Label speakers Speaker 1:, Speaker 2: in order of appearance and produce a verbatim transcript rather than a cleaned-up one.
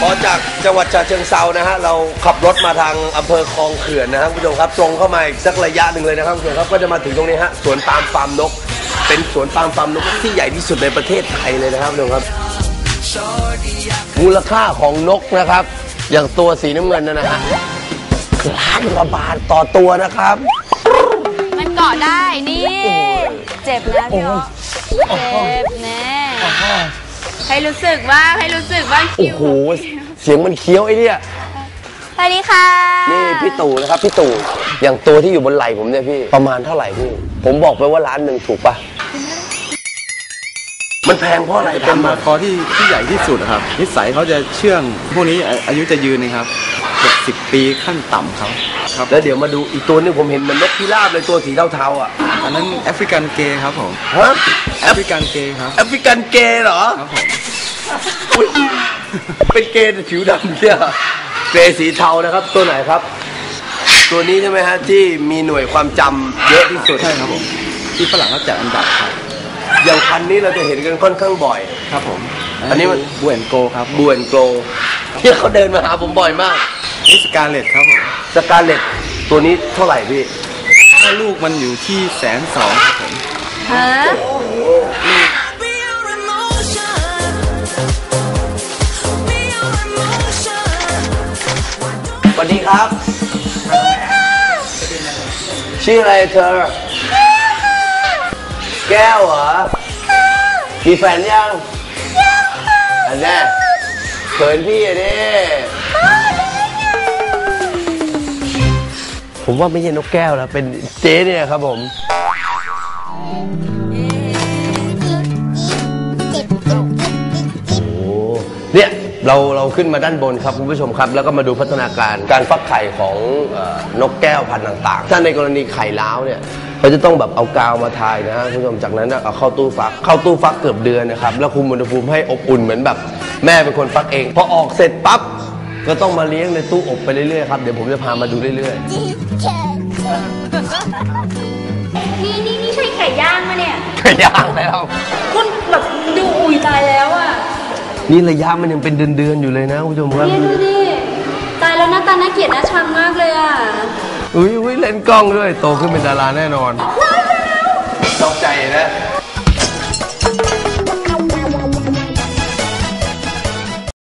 Speaker 1: พอจากจังหวัดฉะเชิงเทรานะฮะเราขับรถมาทางอำเภอคลองเขื่อนนะครับคุณผู้ชมครับตรงเข้ามาอีกสักระยะหนึ่งเลยนะครับคุณผู้ชมครับก็จะมาถึงตรงนี้ฮะสวนปาล์มฟาร์มนกเป็นสวนปาล์มฟาร์มนกที่ใหญ่ที่สุดในประเทศไทยเลยนะครับคุณผู้ชมครับมูลค่าของนกนะครับอย่างตัวสีน้ำเงินนั่นนะฮะล้านกว่าบาทต่อตัวนะครับ
Speaker 2: มันเกาะได้นี่เจ็บนะพี่อ๋อเจ็บแน่ให้รู้สึกบ้างให้รู้สึกบ้างคิว
Speaker 1: โอ้โหเสียงมันเคี้ยวไอ้เนี่ย
Speaker 2: สวัสดีค่ะ
Speaker 1: นี่พี่ตู่นะครับพี่ตู่อย่างตัวที่อยู่บนไหล่ผมเนี่ยพี่ประมาณเท่าไหร่พี่ผมบอกไปว่าล้านหนึ่งถูกปะมันแพงเพราะอะไร
Speaker 3: เป็นมาคอที่ที่ใหญ่ที่สุดครับนิสัยเขาจะเชื่องพวกนี้อายุจะยืนนะครับเจ็ดสิบปีขั้นต่ำเขา
Speaker 1: ครับแล้วเดี๋ยวมาดูอีกตัวนึงผมเห็นมันนกพิราบเลยตัวสีเทาๆอ่ะ
Speaker 3: อันนั้นแอฟริกันเกย์ครับผม
Speaker 1: ฮะ
Speaker 3: แอฟริกันเกย์ครับ
Speaker 1: แอฟริกันเกย์เหรอ
Speaker 3: ครับผม
Speaker 1: เป็นเกย์ผิวดำเนี่ยเกย์สีเทานะครับตัวไหนครับตัวนี้ใช่ไหมฮะที่มีหน่วยความจำเยอะที่สุด
Speaker 3: ใช่ครับผมที่ฝรั่งเขาจัดอันดับครับ
Speaker 1: อย่างพันนี้เราจะเห็นกันค่อนข้างบ่อย
Speaker 3: ครับผม
Speaker 1: อันนี้มัน
Speaker 3: บูเอนโกครับ
Speaker 1: บูเอนโกที่เขาเดินมาหาผมบ่อยมาก
Speaker 3: นี่สกาเลตครับผม
Speaker 1: สกาเลตตัวนี้เท่าไหร่พี่
Speaker 3: ถ้าลูกมันอยู่ที่แสนสองครับผม
Speaker 2: ฮะ
Speaker 1: สวัสดีครับชื่ออะไรเธอแก้วเหรอมีแฟนยังยังค่ะอันนี้เขินพี่อะดิผมว่าไม่ใช่นกแก้วแล้วเป็นเจ๊เนี่ยครับผมโอ้เนี่ยเราเราขึ้นมาด้านบนครับคุณผู้ชมครับแล้วก็มาดูพัฒนาการการฟักไข่ของนกแก้วพันธุ์ต่างๆถ้าในกรณีไข่ล้าวเนี่ยเขาจะต้องแบบเอากาวมาทายนะคุณผู้ชมจากนั้นเอาเข้าตู้ฟักเข้าตู้ฟักเกือบเดือนนะครับแล้วคุมอุณหภูมิให้อบอุ่นเหมือนแบบแม่เป็นคนฟักเองพอออกเสร็จปั๊บก็ต้องมาเลี้ยงในตู้อบไปเรื่อยๆครับเดี๋ยวผมจะพามาดูเรื่อย
Speaker 2: ๆนี่นี่นี่ใช่ไข่ย่างมาเนี่ย
Speaker 1: ไข่ย่างแล้ว
Speaker 2: คุณแบบดูอุ่ยตายแล้วอ่ะ
Speaker 1: นี่ระยะมันยังเป็นเดือนๆอยู่เลยนะคุณผู้ชมครับ
Speaker 2: นี่ดูดิตายแล้วหน้าตาน่าเกลียดน่าชังมากเลยอ่ะ
Speaker 1: อุ้ยอุ้ยเล่นกล้องด้วยโตขึ้นเป็นดาราแน่นอนตกใจนะ